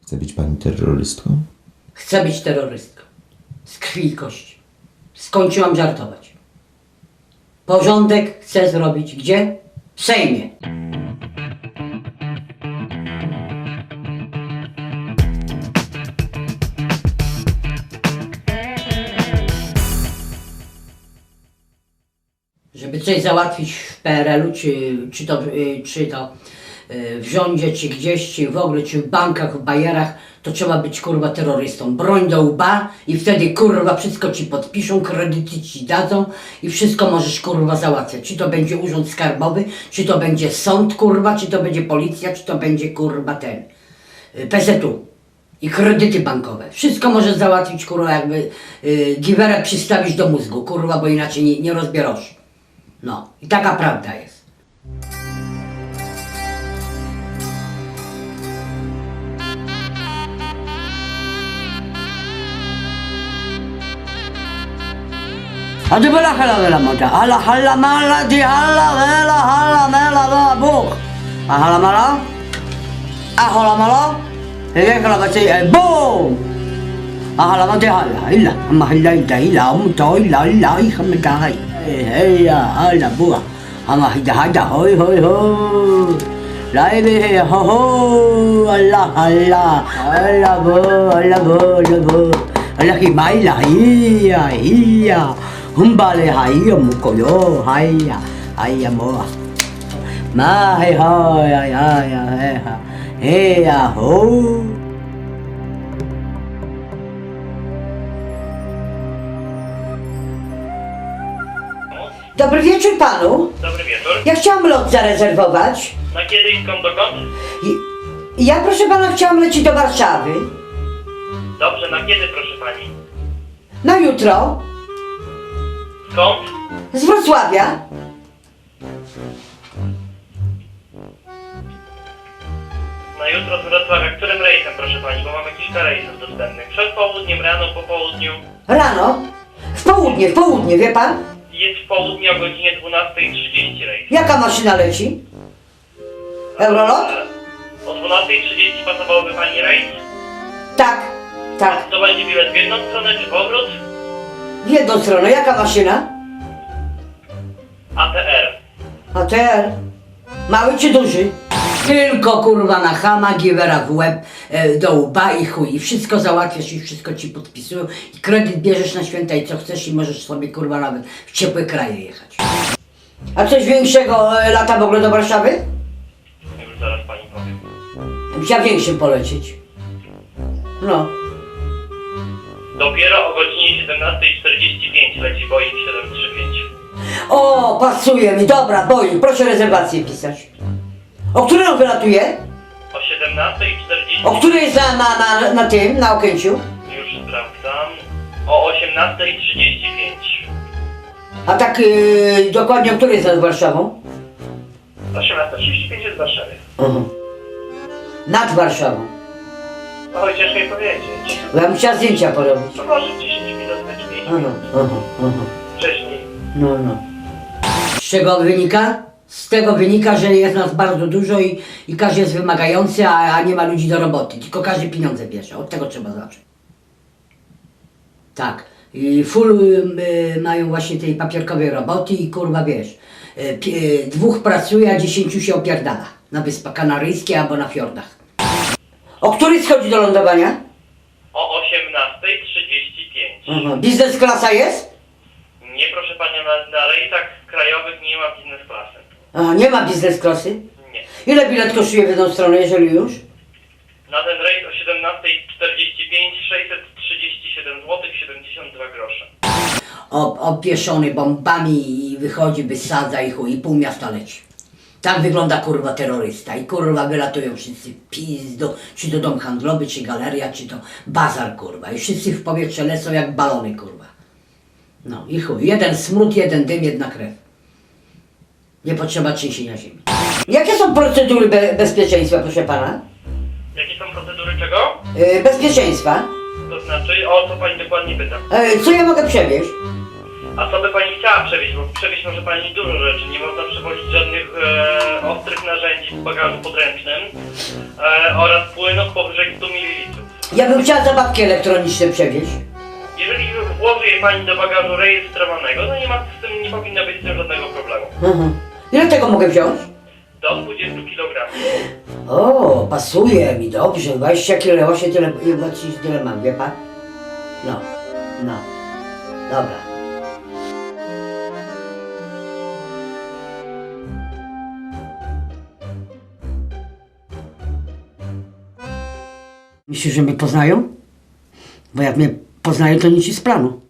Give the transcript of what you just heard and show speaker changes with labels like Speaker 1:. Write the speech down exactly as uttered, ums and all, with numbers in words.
Speaker 1: Chce być pani terrorystką?
Speaker 2: Chcę być terrorystką. Z krwi i kości. Skończyłam żartować. Porządek chcę zrobić gdzie? W Sejmie. Żeby coś załatwić w P R L u, czy, czy, to, y, czy to y, w rządzie, czy gdzieś, czy w ogóle, czy w bankach, w bajerach, to trzeba być kurwa terrorystą. Broń do łba i wtedy kurwa wszystko ci podpiszą, kredyty ci dadzą i wszystko możesz kurwa załatwiać. Czy to będzie urząd skarbowy, czy to będzie sąd kurwa, czy to będzie policja, czy to będzie kurwa ten y, P Z U. I kredyty bankowe. Wszystko możesz załatwić kurwa jakby y, giwerek przystawić do mózgu kurwa, bo inaczej nie, nie rozbierasz. No i taka prawda jest. A ty bela hala bela mota, hala hala mala di hala bela hala mela bela buch. A hala mala? A hala mala? Hei kala baci boom. A hala mati hala illa, amma illa illa illa um to illa illa i kham ta hai. Hei ya hala buah. Amma hida hida hoi hoi hoi. Lai be ho ho Allah Allah Allah bo Allah bo Allah bo. Allah ki mai la hiya hiya. Humbale hiya mukoyo hiya hiya mo. Ma hai hoi ai ai ai. Hey ya ho. Dobry wieczór panu.
Speaker 3: Dobry wieczór.
Speaker 2: Ja chciałam lot zarezerwować.
Speaker 3: Na kiedy i skąd dokąd?
Speaker 2: I, ja proszę pana chciałam lecieć do Warszawy.
Speaker 3: Dobrze, na kiedy proszę pani?
Speaker 2: Na jutro.
Speaker 3: Skąd?
Speaker 2: Z Wrocławia.
Speaker 3: Na jutro z Wrocławia. Którym rejsem proszę pani? Bo mamy kilka rejsów dostępnych. Przed południem, rano, po południu.
Speaker 2: Rano. W południe, w południe, wie pan?
Speaker 3: Jest w południe o godzinie dwunastej trzydzieści rejs.
Speaker 2: Jaka maszyna leci? Eurolot?
Speaker 3: O dwunastej trzydzieści pasowałby pani rejs?
Speaker 2: Tak, tak.
Speaker 3: To będzie bilet w jedną stronę czy powrót?
Speaker 2: W jedną stronę. Jaka maszyna?
Speaker 3: A T R.
Speaker 2: A T R. Mały czy duży? Tylko kurwa na chama, giwera w łeb, e, do łba i chuj. I wszystko załatwiasz i wszystko ci podpisują. I kredyt bierzesz na święta i co chcesz i możesz sobie kurwa nawet w ciepłe kraje jechać. A coś większego e, lata w ogóle do Warszawy?
Speaker 3: Już zaraz pani powiem.
Speaker 2: Chciała większym polecieć. No.
Speaker 3: Dopiero o godzinie siedemnastej czterdzieści pięć leci Boeing siedem trzy pięć.
Speaker 2: O, pasuje mi. Dobra, Boeing, proszę rezerwację pisać. O której on wylatuje?
Speaker 3: O siedemnastej czterdzieści.
Speaker 2: O której jest na, na, na, na tym, na Okęciu?
Speaker 3: Już sprawdzam. O osiemnastej trzydzieści pięć.
Speaker 2: A tak yy, dokładnie o której jest nad Warszawą?
Speaker 3: osiemnasta trzydzieści pięć jest w Warszawie.
Speaker 2: Mhm. Nad Warszawą.
Speaker 3: Oj, ciężko mi powiedzieć.
Speaker 2: Bo ja bym chciała zdjęcia porobić.
Speaker 3: To może dziesięć minut, czy pięć
Speaker 2: Aha,
Speaker 3: minut
Speaker 2: aha, aha.
Speaker 3: wcześniej.
Speaker 2: No, no. Z czego wynika? Z tego wynika, że jest nas bardzo dużo i, i każdy jest wymagający, a, a nie ma ludzi do roboty. Tylko każdy pieniądze bierze. Od tego trzeba zacząć. Tak. I full y, mają właśnie tej papierkowej roboty i kurwa wiesz, y, pi, y, dwóch pracuje, a dziesięciu się opierdala. Na Wyspach Kanaryjskich albo na fiordach. O której schodzi do lądowania?
Speaker 3: O osiemnastej trzydzieści pięć.
Speaker 2: Mhm. Biznes klasa jest?
Speaker 3: Nie, proszę Panią, na, na rejsach krajowych nie ma biznes klasy.
Speaker 2: A, nie ma biznes klasy?
Speaker 3: Nie.
Speaker 2: Ile bilet kosztuje w jedną stronę, jeżeli już?
Speaker 3: Na ten rejs o siedemnastej czterdzieści pięć sześćset trzydzieści siedem złotych siedemdziesiąt dwa grosze.
Speaker 2: O, opieszony bombami i wychodzi, wysadza i chuj, i pół miasta leci. Tak wygląda kurwa terrorysta i kurwa wylatują wszyscy w pizdu, czy to dom handlowy, czy galeria, czy to bazar kurwa i wszyscy w powietrze lecą jak balony kurwa. No i chuj, jeden smród, jeden dym, jedna krew. Nie potrzeba trzęsienia ziemi. Jakie są procedury be bezpieczeństwa, proszę pana?
Speaker 3: Jakie są procedury czego?
Speaker 2: Yy, bezpieczeństwa.
Speaker 3: To znaczy, o co Pani dokładnie pyta?
Speaker 2: Yy, co ja mogę przewieźć?
Speaker 3: A co by pani chciała przewieźć? Bo przewieźć może pani dużo rzeczy. Nie można przewozić żadnych e, ostrych narzędzi w bagażu podręcznym e, oraz płynów powyżej stu mililitrów.
Speaker 2: Ja bym chciała zabawki elektroniczne przewieźć.
Speaker 3: Jeżeli włoży je pani do bagażu rejestrowanego, to nie ma z tym, nie powinno być z tym żadnego problemu.
Speaker 2: Mhm. Ile tego mogę wziąć?
Speaker 3: Do dwudziestu kilogramów.
Speaker 2: O, pasuje mi dobrze. dwadzieścia kilo, właśnie tyle, właśnie tyle mam, wie pan? No, no. Dobra. Myślisz, że mnie poznają? Bo jak mnie poznają, to nic ci z planu.